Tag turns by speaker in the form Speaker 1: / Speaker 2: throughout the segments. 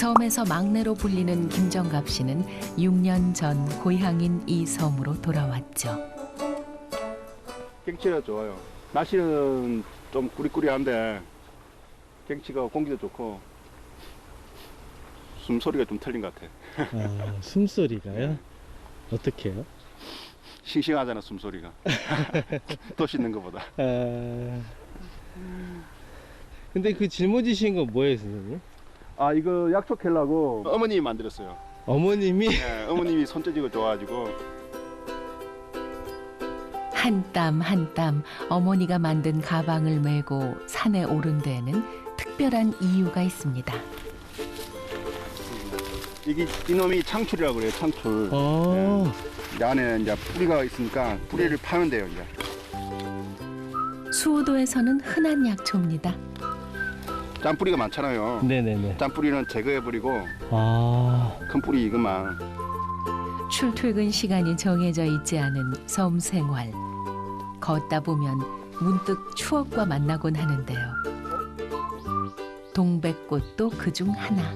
Speaker 1: 섬에서 막내로 불리는 김정갑 씨는 6년 전 고향인 이 섬으로 돌아왔죠.
Speaker 2: 경치가 좋아요. 날씨는 좀 꾸리꾸리한데 경치가 공기도 좋고 숨소리가 좀 틀린 것 같아.
Speaker 3: 아, 숨소리가요? 어떻게 해요?
Speaker 2: 싱싱하잖아, 숨소리가. 또 씻는 것보다.
Speaker 3: 근데 그 짊어지신 건 뭐예요, 선생님?
Speaker 2: 아, 이거 약초 캘라고 어머님이 만들었어요.
Speaker 3: 어머님이?
Speaker 2: 네, 어머님이 손재주가 좋아가지고.
Speaker 1: 한 땀 한 땀 어머니가 만든 가방을 메고 산에 오른 데에는 특별한 이유가 있습니다.
Speaker 2: 이놈이 창출이라고 그래요, 창출.
Speaker 3: 어.
Speaker 2: 이 안에 이제 뿌리가 있으니까 뿌리를 파면 돼요, 이제.
Speaker 1: 수호도에서는 흔한 약초입니다.
Speaker 2: 짠뿌리가 많잖아요.
Speaker 3: 네네네.
Speaker 2: 짠뿌리는 제거해버리고
Speaker 3: 아.
Speaker 2: 큰 뿌리 이것만.
Speaker 1: 출퇴근 시간이 정해져 있지 않은 섬 생활. 걷다 보면 문득 추억과 만나곤 하는데요. 동백꽃도 그중 하나.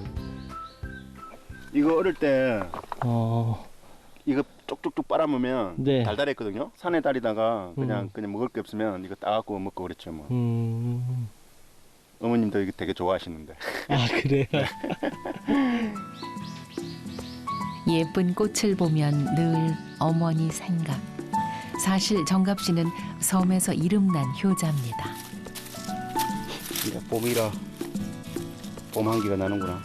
Speaker 2: 이거 어릴 때 이거 쪽쪽쪽 빨아먹으면
Speaker 3: 네.
Speaker 2: 달달했거든요. 산에 다니다가 그냥 먹을 게 없으면 이거 따갖고 먹고 그랬죠 뭐. 어머님도 이거 되게 좋아하시는데.
Speaker 3: 아, 그래요?
Speaker 1: 예쁜 꽃을 보면 늘 어머니 생각. 사실 정갑 씨는 섬에서 이름난 효자입니다.
Speaker 2: 이제 봄이라 봄 한기가 나는구나.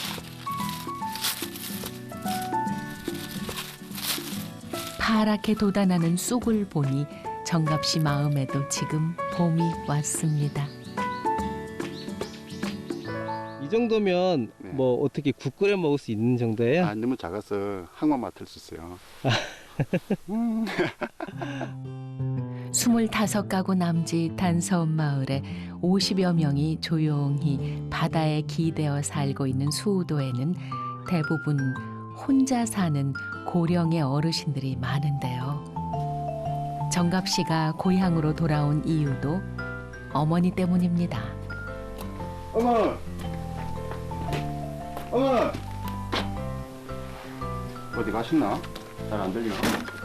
Speaker 1: 파랗게 돋아나는 쑥을 보니 정갑 씨 마음에도 지금 봄이 왔습니다.
Speaker 3: 이 정도면
Speaker 2: 네.
Speaker 3: 뭐 어떻게 국 끓여 먹을 수 있는 정도예요?
Speaker 2: 아, 너무 작아서 한번 맡을 수 있어요.
Speaker 1: 25가구 남짓한 섬 마을에 50여 명이 조용히 바다에 기대어 살고 있는 수우도에는 대부분 혼자 사는 고령의 어르신들이 많은데요. 정갑 씨가 고향으로 돌아온 이유도 어머니 때문입니다.
Speaker 2: 어머! 어머! 어디 가셨나? 잘 안 들리나?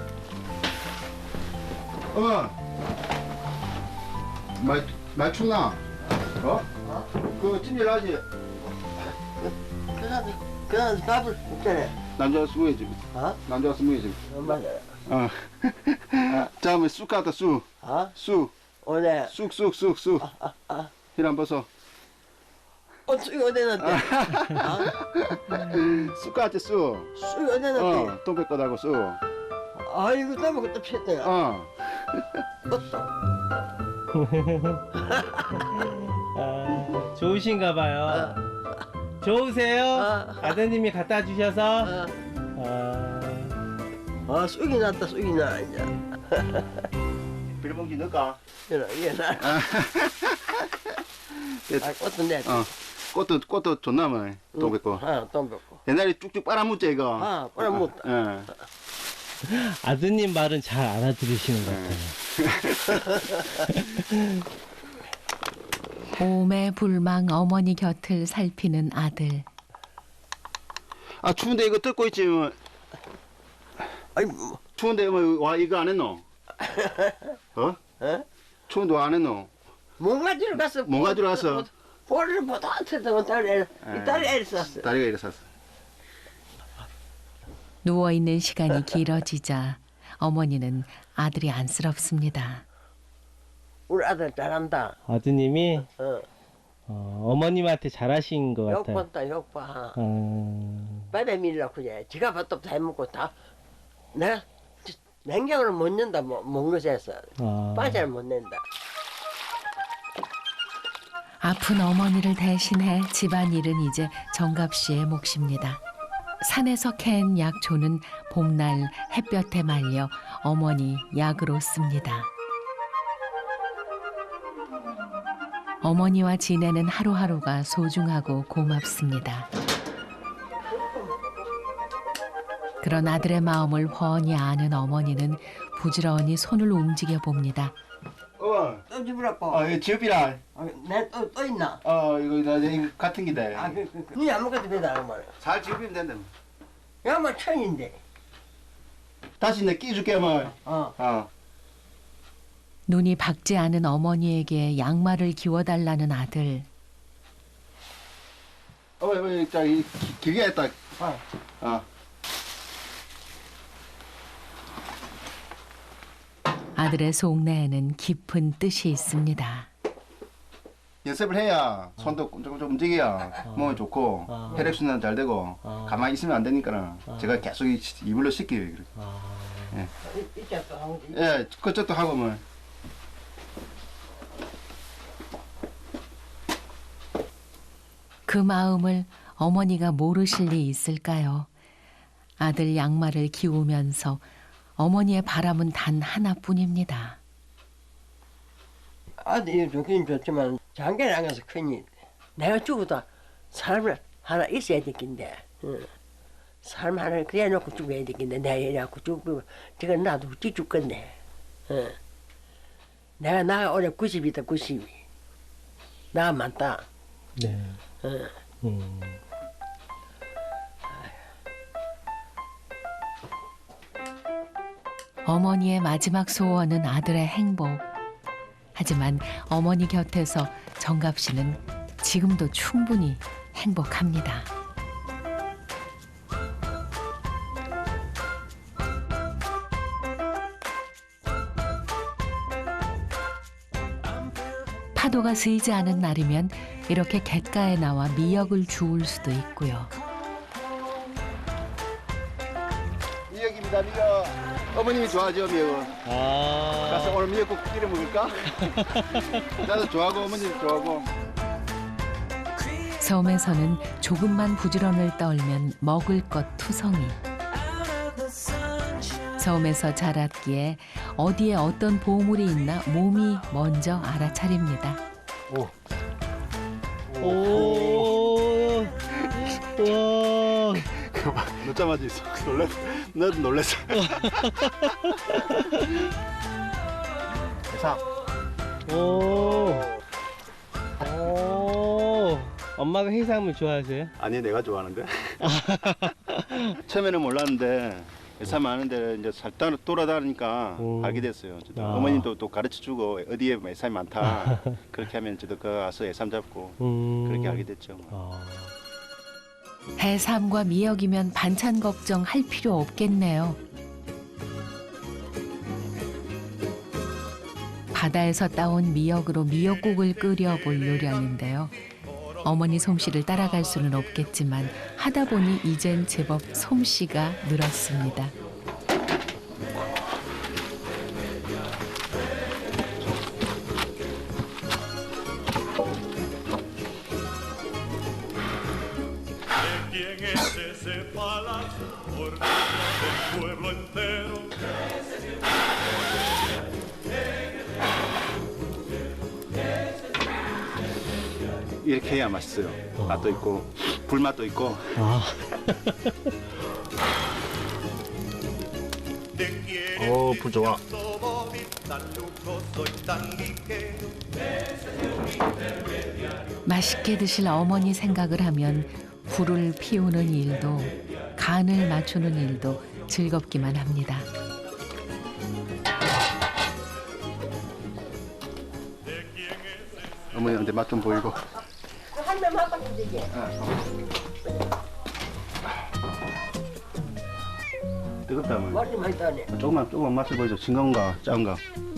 Speaker 2: 어머! 많이 춥나? 어? 그거 찜질하지?
Speaker 4: 그냥 밥을 먹잖아.
Speaker 2: 남자가 스무해지.
Speaker 4: 어?
Speaker 2: 남자가 스무해지.
Speaker 4: 맞아.
Speaker 2: 어. 자, 뭐 쑥 갖다 쑥.
Speaker 4: 어?
Speaker 2: 쑥.
Speaker 4: 오늘
Speaker 2: 쑥. 이란 벗어.
Speaker 4: 쑥이 어디 났대?
Speaker 2: 쑥 같지 쑥.
Speaker 4: 쑥이 어디 났대?
Speaker 2: 동백 거다고 쑥.
Speaker 4: 아이고 땀을 그때 피했대.
Speaker 3: 좋으신가 봐요. 좋으세요? 아드님이 갖다 주셔서.
Speaker 4: 쑥이 났다 쑥이 나 이제.
Speaker 2: 비닐봉지 넣을까?
Speaker 4: 이게 나. 꽃도 내.
Speaker 2: 꽃도 좋나 뭐. 동백 거.
Speaker 4: 동백고.
Speaker 2: 옛날에 쭉쭉 빨아먹자 이거.
Speaker 4: 빨아먹었다.
Speaker 3: 아드님 말은 잘 알아들으시는 것 같아요.
Speaker 1: 봄에 불망 어머니 곁을 살피는 아들.
Speaker 2: 아 추운데 이거 뜯고 있지 뭐.
Speaker 4: 아이고.
Speaker 2: 추운데 뭐 와 이거 안 했노? 어? 추운데 와 안 했노?
Speaker 4: 몽가지로 갔어.
Speaker 2: 몽가지로 갔어?
Speaker 4: 볼을 보다 했다고 딸이 애를 썼어.
Speaker 2: 다리가 이래 샀어.
Speaker 1: 누워있는 시간이 길어지자 어머니는 아들이 안쓰럽습니다.
Speaker 4: 우리 아들 잘한다.
Speaker 3: 아드님이 어머님한테 잘하신 것 같아요.
Speaker 4: 욕봤다 욕봐.
Speaker 3: 어.
Speaker 4: 빨리 밀라 그래. 지가 밥도 다 해먹고 다 내가 냉장고를 못 낸다 먹는 것에서 빠잘 못 낸다.
Speaker 1: 아픈 어머니를 대신해 집안일은 이제 정갑 씨의 몫입니다. 산에서 캔 약초는 봄날 햇볕에 말려 어머니 약으로 씁니다. 어머니와 지내는 하루하루가 소중하고 고맙습니다. 그런 아들의 마음을 훤히 아는 어머니는 부지런히 손을 움직여 봅니다.
Speaker 4: 또 집으라고.
Speaker 2: 이 지읍이라.
Speaker 4: 내또 있나?
Speaker 2: 이거 같은 기대.
Speaker 4: 눈이 아무것도 배달 안 말이야.
Speaker 2: 잘 지으면 된다.
Speaker 4: 야뭐 천인데.
Speaker 2: 다시 내 끼줄게 뭐.
Speaker 1: 눈이 밝지 않은 어머니에게 양말을 기워달라는 아들.
Speaker 2: 저기 길게 했다.
Speaker 1: 아들의 속내에는 깊은 뜻이 있습니다.
Speaker 2: 연습을 해야 손도 좀 움직여야 몸이 좋고 혈액순환 잘 되고 가만히 있으면 안 되니까 제가 계속 이불로 씻겨요. 예, 그쪽도 하고 뭐.
Speaker 1: 그 마음을 어머니가 모르실 리 있을까요? 아들 양말을 기우면서 어머니의 바람은 단 하나뿐입니다.
Speaker 4: 아들이 좋긴 좋지만 장계를 안 가서 큰일. 내가 죽어도 삶을 하나 있어야 되겠는데. 삶 하나 그래 놓고 죽어야 되겠네. 내가 이래갖고 죽고 저거 나도 어찌 죽겠네. 내가 올해 90이다 90이. 나 많다.
Speaker 3: 네.
Speaker 1: 어머니의 마지막 소원은 아들의 행복. 하지만 어머니 곁에서 정갑 씨는 지금도 충분히 행복합니다. 파도가 스이지 않은 날이면 이렇게 갯가에 나와 미역을 주울 수도 있고요.
Speaker 2: 미역입니다, 미역. 어머님이 좋아하죠, 미역은. 가서 오늘 미역국 끓여 먹을까? 나도 좋아하고 어머니도 좋아하고.
Speaker 1: 섬에서는 조금만 부지런을 떨면 먹을 것 투성이. 섬에서 자랐기에 어디에 어떤 보물이 있나 몸이 먼저 알아차립니다.
Speaker 3: 오. 와.
Speaker 2: 늦자마자 있어. 너도 놀랬어. 대사.
Speaker 3: 오. 오. 엄마가 해산물 좋아하세요?
Speaker 2: 아니, 내가 좋아하는데. 처음에는 몰랐는데 회사 많은데 이제 살다 돌아다니니까 알게 됐어요. 어머님도 또 가르쳐주고 어디에 해삼이 많다. 그렇게 하면 저도 그 가서 해삼 잡고 그렇게 알게 됐죠.
Speaker 1: 해삼과 미역이면 반찬 걱정할 필요 없겠네요. 바다에서 따온 미역으로 미역국을 끓여볼 요량인데요. 어머니 솜씨를 따라갈 수는 없겠지만 하다 보니 이젠 제법 솜씨가 늘었습니다.
Speaker 2: 이렇게 해야 맛있어요. 맛도 있고 불맛도 있고. 불 좋아.
Speaker 1: 맛있게 드실 어머니 생각을 하면 불을 피우는 일도 간을 맞추는 일도 즐겁기만 합니다.
Speaker 2: 어머니한테 맛 좀 보이고.
Speaker 4: 한 명 한 바퀴 되게.
Speaker 2: 뜨겁다 어머니.
Speaker 4: 머리 많이 떠네.
Speaker 2: 조금만 맛을 보여줘. 싱거운가 짜운가.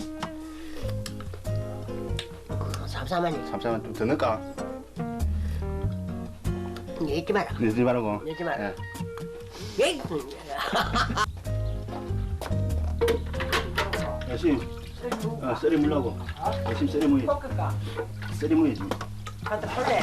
Speaker 4: 삼삼하니.
Speaker 2: 삼삼은 좀 더 넣을까?
Speaker 4: 잊지 마라.
Speaker 2: 넣지 말고.
Speaker 4: 잊지 마라.
Speaker 2: 예.
Speaker 4: 예.
Speaker 2: 열심히 썰이 물라고. 열심히 썰이 무이.
Speaker 4: 볶을까?
Speaker 2: 썰이 무이지.
Speaker 4: 갖다 폴래.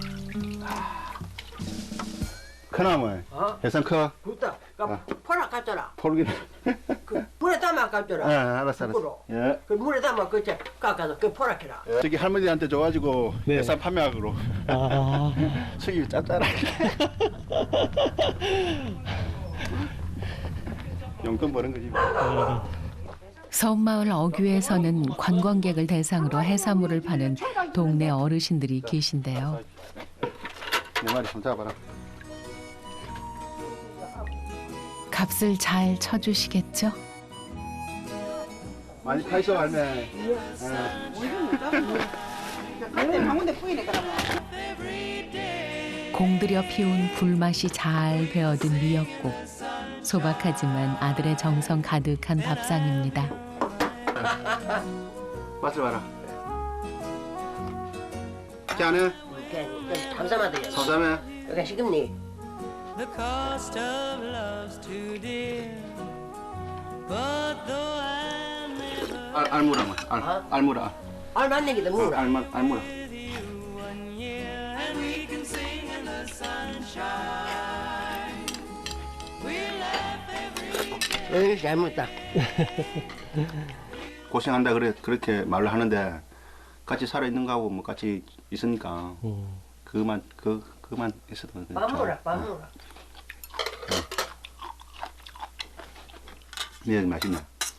Speaker 2: 크나 뭐? 해삼 커?
Speaker 4: 붙다. 포라 갖더라.
Speaker 2: 포르기.
Speaker 4: 그 물에 담아 갖더라.
Speaker 2: 알았어.
Speaker 4: 거꾸로.
Speaker 2: 예.
Speaker 4: 그 물에 담아 그저 깎아서 그 포라 캐라.
Speaker 2: 저기 할머니한테 줘가지고
Speaker 3: 네.
Speaker 2: 해삼 판매하기로. 수입이 짭짤하게. 용돈 버는 거지.
Speaker 1: 섬마을 어귀에서는 관광객을 대상으로 해산물을 파는 동네 어르신들이 계신데요.
Speaker 2: 내 말이 좀 잡아라.
Speaker 1: 값을 잘 쳐주시겠죠?
Speaker 2: 많이 파 있어 할매.
Speaker 1: 공들여 피운 불맛이 잘 배어든 미역국. 소박하지만 아들의 정성 가득한 밥상입니다.
Speaker 2: 맛을 봐라. 깨하네.
Speaker 4: 감사하다.
Speaker 2: 서자매.
Speaker 4: 여기 시금니.
Speaker 5: The cost of love's too dear. But though I never
Speaker 2: 알무라 알무라.
Speaker 4: 알맞는 게더 물어.
Speaker 2: 알무라.
Speaker 5: with you 1 year, and we can sing in the sunshine. We laugh every
Speaker 4: 여기 잘못다.
Speaker 2: 고생한다 그렇게 말을 하는데 같이 살아 있는 거하고 뭐 같이 있으니까 그만 있어도 그냥
Speaker 4: 밥
Speaker 2: 좋아.
Speaker 4: 먹으라, 밥 먹으라.
Speaker 2: 미역 맛있네.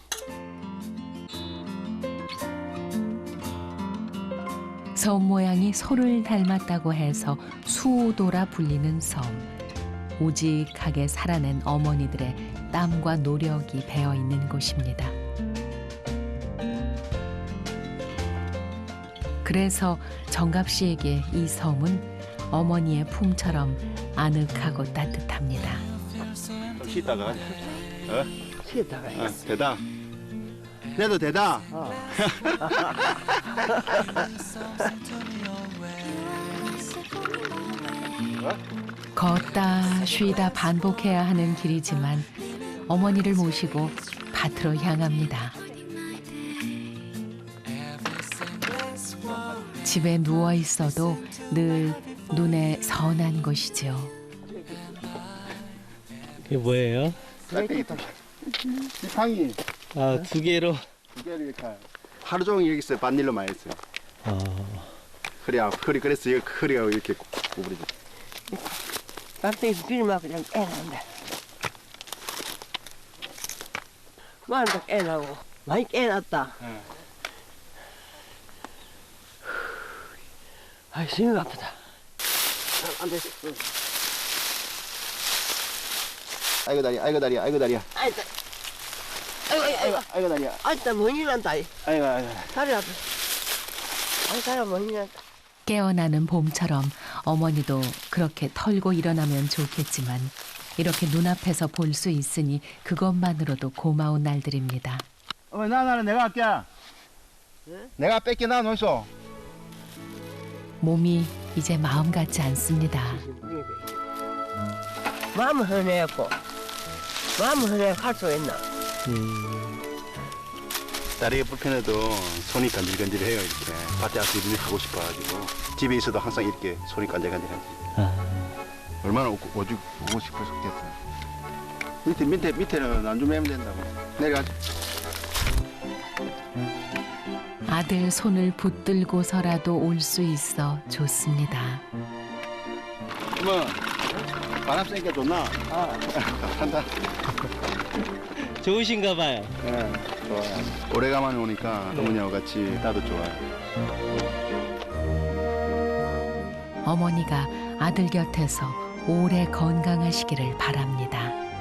Speaker 1: 섬 모양이 소를 닮았다고 해서 수오도라 불리는 섬. 오직하게 살아낸 어머니들의 땀과 노력이 배어 있는 곳입니다. 그래서 정갑 씨에게 이 섬은 어머니의 품처럼 아늑하고 따뜻합니다.
Speaker 2: 좀 쉬다가
Speaker 4: 쉬었다가.
Speaker 2: 대다. 내도 대다.
Speaker 1: 걷다 쉬다 반복해야 하는 길이지만 어머니를 모시고 밭으로 향합니다. 집에 누워 있어도 늘 눈에 선한 곳이죠.
Speaker 3: 이게 뭐예요?
Speaker 2: 지팡이
Speaker 3: 아, 2개로.
Speaker 2: 두 개를 이렇게 하루 종일 여기 있어요. 반일로 많이 했어요.
Speaker 3: 아,
Speaker 2: 허리 그래서 허리가 이렇게 구부러져.
Speaker 4: 밥통에서 비를 맞고 그냥 깨난다. 그만도 깨나고. 많이 깨났다. 아이, 숨이 아프다.
Speaker 2: 안 돼. 아이고 다리야.
Speaker 4: 아이다.
Speaker 2: 아이고 다리야.
Speaker 4: 아이다, 뭔일 난다.
Speaker 2: 아이고.
Speaker 4: 다리 아파. 아이, 다리 뭔일 난다.
Speaker 1: 깨어나는 봄처럼 어머니도 그렇게 털고 일어나면 좋겠지만 이렇게 눈앞에서 볼 수 있으니 그것만으로도 고마운 날들입니다.
Speaker 2: 나는 내가 할게. 내가 뺏게 나 놓이소.
Speaker 1: 몸이 이제 마음 같지 않습니다.
Speaker 4: 마음은 흔해갖고. 마음은 흔해갖고 할 수가 있나?
Speaker 2: 다리가 불편해도 손이 간질간질해요. 이렇게 밭에 와서 일 하고 싶어가지고 집에 있어도 항상 이렇게 손이 간질간질하지. 얼마나 오고 싶었겠어. 밑에는 안 좀 매면 된다고. 내려가.
Speaker 1: 아들 손을 붙들고서라도 올 수 있어 좋습니다.
Speaker 2: 뭐 바람 쐬니까 좋나? 한다.
Speaker 3: 좋으신가 봐요.
Speaker 2: 예, 좋아요. 오래간만에 오니까 어머니하고 같이 나도 좋아요.
Speaker 1: 어머니가 아들 곁에서 오래 건강하시기를 바랍니다.